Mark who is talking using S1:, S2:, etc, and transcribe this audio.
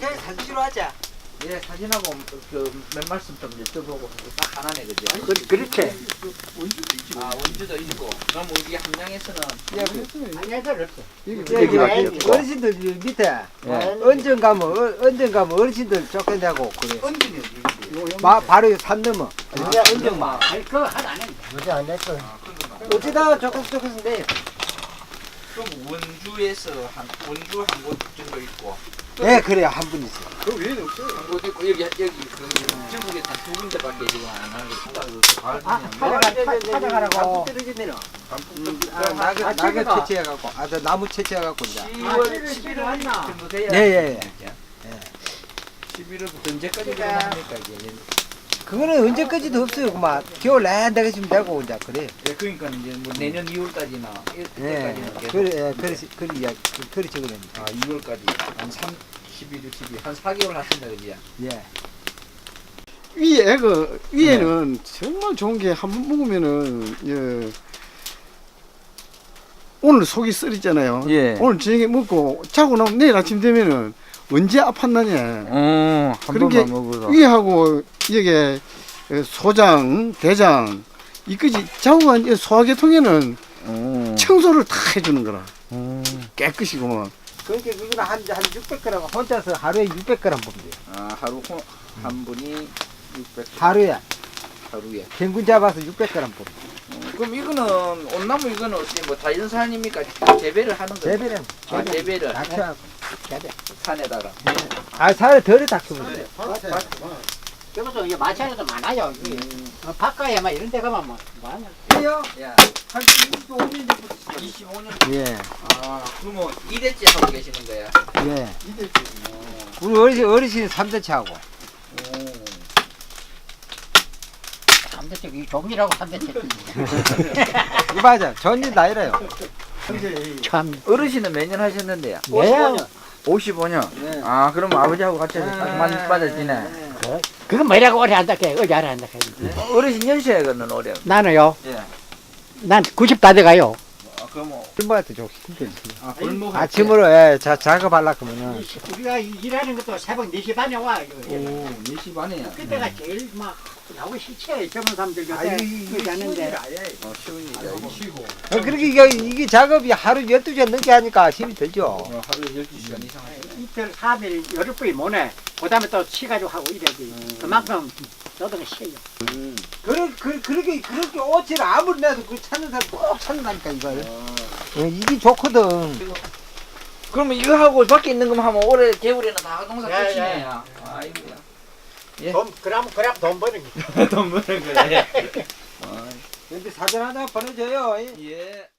S1: 그냥 사진으로 하자.
S2: 예, 사진하고 몇 말씀 좀 여쭤보고 딱 하나네, 그죠?
S1: 그렇게.
S2: 아, 원주도 있고. 그럼 우리 함양에서는
S1: 여기 어르신들 밑에 언전 가면 어르신들 쫓겨내고 그래.
S2: 언진이
S1: 바로 산 넘어. 언전마.
S3: 그거 하나 안 해.
S4: 요새 안 됐어.
S1: 어쩌다 조금씩
S2: 그럼 원주 한 곳 정도 있고.
S1: 네, 그래요. 한 분 있어.
S4: 그 외에는 없어요.
S2: 한 곳 있고, 여기 전국에 딱 두 군데밖에 지금 안 하고.
S1: 찾아가라고. 떨어지면은. 낙엽 채취해갖고, 나무 채취해갖고 이제.
S2: 10월, 11월 정도 돼야.
S1: 예.
S2: 11월부터 언제까지 들어갑니까, 이게?
S1: 그거는 언제까지도 없어요. 그만 겨울 내내 되겠으면 되고 이제 그래.
S2: 예, 그러니까 이제 뭐 내년 2월까지나
S1: 예,
S2: 이때까지는 계속.
S1: 그래 적어냅니다.
S2: 아, 2월까지 한 11월, 12월 한 4개월 하신다 그지?
S1: 예.
S4: 위에는 정말 좋은 게 한 번 먹으면은 예. 오늘 속이 쓰리잖아요.
S2: 예.
S4: 오늘 저녁에 먹고 자고 나면 내일 아침 되면은 언제 아팠나냐.
S2: 한
S4: 그런 게 위하고 이게 소장, 대장 이까지 좌우한 소화계통에는 청소를 다 해주는 거라. 깨끗이구만.
S1: 그러니까 그거는 한 600g 혼자서 하루에 600g 보면 돼요.
S2: 아, 하루 한 분이 600.
S1: 하루에
S2: 하루에.
S1: 평균 잡아서 600g 보면 돼요.
S2: 그럼 이거는 온나무 이거는 어떻게 뭐 자연산입니까? 재배를 하는 거예요?
S1: 재배는
S2: 아, 재배를
S1: 낙차하고 재배.
S2: 산에다가.
S1: 살을 덜에 닥치면 돼요.
S3: 여기서 이게 마찬가지도 많아요. 바깥에 막 이런 데 가면 뭐 하냐.
S1: 그래요?
S2: 야,
S1: 한 25년 전부터
S2: 25년.
S1: 예.
S2: 아, 그러면 2대째 하고 계시는 거야?
S1: 예. 우리 어르신 3대째 하고.
S3: 삼대책 이 종이라고 삼대책.
S1: 이거 맞아. 전일 나이래요.
S3: 참.
S2: 어르신은 몇 년 하셨는데요?
S3: 네.
S2: 55년.
S1: 네.
S2: 아, 그럼 아버지하고 같이 맞아지네.
S3: 그건 뭐라고 오래 한다 해. 어제 알아 한다 해.
S2: 어르신 연세는 올해.
S3: 나는요.
S2: 예.
S3: 난 90 다 돼가요.
S2: 아, 그럼
S1: 신부한테 좀 힘들지.
S2: 아, 골목
S1: 아침으로 작업하려고 하면은
S3: 우리가 일하는 것도 새벽 4시 반에 와.
S2: 오, 4시 반에야.
S3: 그때가 제일 막 나오기 싫지. 젊은 사람들
S1: 아,
S3: 요새
S1: 이게
S3: 그러지 않는데.
S2: 쉬운 일이야.
S1: 그렇게 이게 작업이 하루 12시간 넘게 하니까 힘이 들죠.
S2: 하루에 12시간 이상 하시네.
S3: 이틀 3일 열흘뿐이 못해. 그 다음에 또 쉬가지고 하고 이래야지. 그만큼 노동이 쉬어요.
S1: 그렇게 옷을 아무리 내도 그 찾는 사람 꼭 찾는다니까 이걸. 이게 좋거든.
S2: 그러면 이거 하고 밖에 있는 것만 하면 올해 겨울에는 다 농사
S3: 예,
S2: 끝이네.
S3: 예.
S2: 아이고야. 예.
S3: 그럼 돈 버는 게.
S2: 돈 버는 거야.
S1: 근데 사진 하나 보내줘요.
S2: 예.